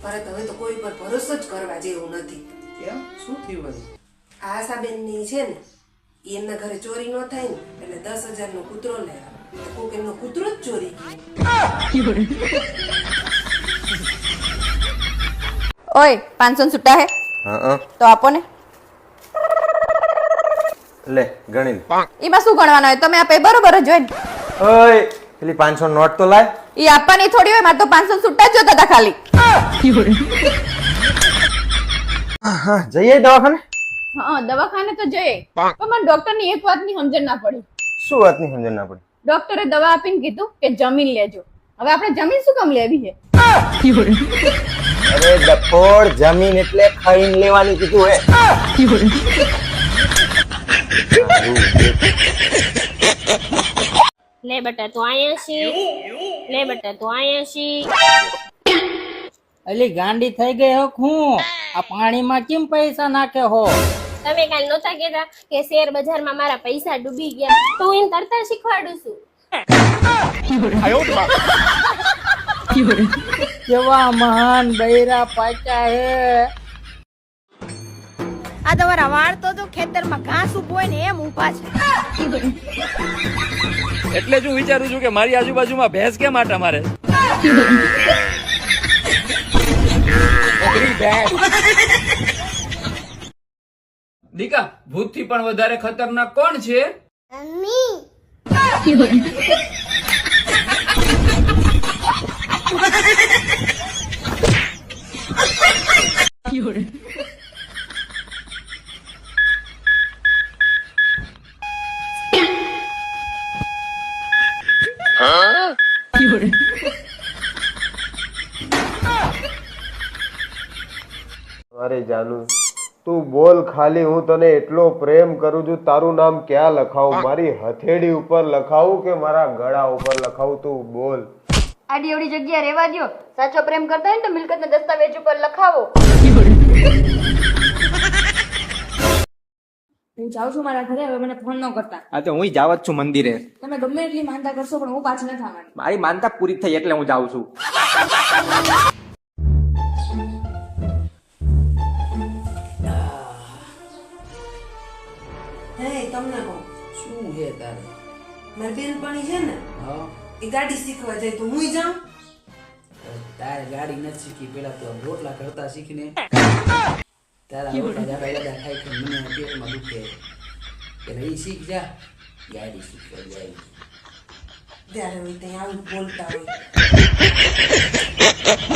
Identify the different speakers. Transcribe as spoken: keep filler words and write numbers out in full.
Speaker 1: પરત હવે તો કોઈ પર ભરોસો જ કરવા જેવું નથી.
Speaker 2: કેમ શું થયું વળી?
Speaker 1: આ આશાબેનની છે ને ઈ એમના ઘરે ચોરી ન થાય ને એટલે દસ હજાર નો કૂતરો લે આવે. કોક એમનો કૂતરો જ ચોરી ગયો.
Speaker 3: ઓય પાંચસો છૂટા હે
Speaker 4: હા
Speaker 3: તો આપો ને.
Speaker 4: લે ગણી લે.
Speaker 3: એમાં શું ગણવાનું હોય? તમે આપે બરોબર જ હોય ને.
Speaker 4: ઓય પેલી પાંચસો નોટ તો લાય.
Speaker 3: ઈ આપવાની થોડી હોય, મારે તો પાંચસો છૂટા જ જોતા હતા ખાલી.
Speaker 4: હા જઈએ દવાખાને.
Speaker 3: હા દવાખાને તો જઈએ, પણ મને ડોક્ટર ની એક વાતની સમજણ ના પડી.
Speaker 4: શું વાતની સમજણ ના પડી?
Speaker 3: ડોક્ટરે દવા આપીને કીધું કે જમીન લેજો. હવે આપણે જમીન શું કામ લેવી છે?
Speaker 4: અરે ડફોડ, જમીન એટલે ખાઈને લેવાની કીધું હે.
Speaker 5: લે બેટા તું આયા છી, લે બેટા તું આયા છી.
Speaker 2: અલી ગાંડી થઈ ગઈ હો હું. આ પાણીમાં કેમ પૈસા નાખે હો?
Speaker 5: તમે કાલ નહોતા કહેતા કે શેર બજારમાં મારા પૈસા ડૂબી ગયા, તો હું એને તરતા શીખવાડું છું.
Speaker 2: કેવા મહાન બૈરા પાક્યા હે.
Speaker 6: આ તમારા વાળ તો જો ખેતરમાં ઘાસ ઉભો હોય ને એમ ઊભા છે.
Speaker 7: એટલે જ હું વિચારું છું કે મારી આજુબાજુમાં ભેંસ કેમ આટા મારે. દીકા, ભૂત થી પણ વધારે ખતરનાક કોણ છે?
Speaker 4: અરે જાનુ તું બોલ ખાલી, હું તને એટલો પ્રેમ કરું છું. તારું નામ ક્યાં લખાવું? મારી હથેળી ઉપર લખાવું કે મારા ગળા ઉપર લખાવું? તું બોલ.
Speaker 6: આડી અવડી જગ્યા રહેવા દ્યો. સાચો પ્રેમ કરતા હોય ને તો મિલકતના દસ્તાવેજ ઉપર લખાવો. હું જાઉં છું મારા ઘરે, હવે મને ફોન ન કરતા.
Speaker 8: હા તો હું જાવ જ છું મંદિરે.
Speaker 6: તમે ગમે એટલી માનતા કરશો પણ હું પાછી નથી આવવાની.
Speaker 8: મારી માનતા પૂરી થઈ એટલે હું જાઉં છું.
Speaker 1: હે તમને કહું,
Speaker 2: શું હે તારે?
Speaker 1: મારી બેનપણી છે ને
Speaker 2: હા
Speaker 1: એ ગાડી શીખવા જાય તો હું જાઉં.
Speaker 2: તારે ગાડી નથી શીખી, પેલા તો રોટલા કરતા શીખીને. તારા રોટલા જાડા જાડા ખાઈ ખાઈ મને પેટમાં દુખે. એટલે ઈ શીખ જા, ગાડી શીખવા જાય.
Speaker 1: ત્યારે હોય ત્યાં આવું બોલતા હોય.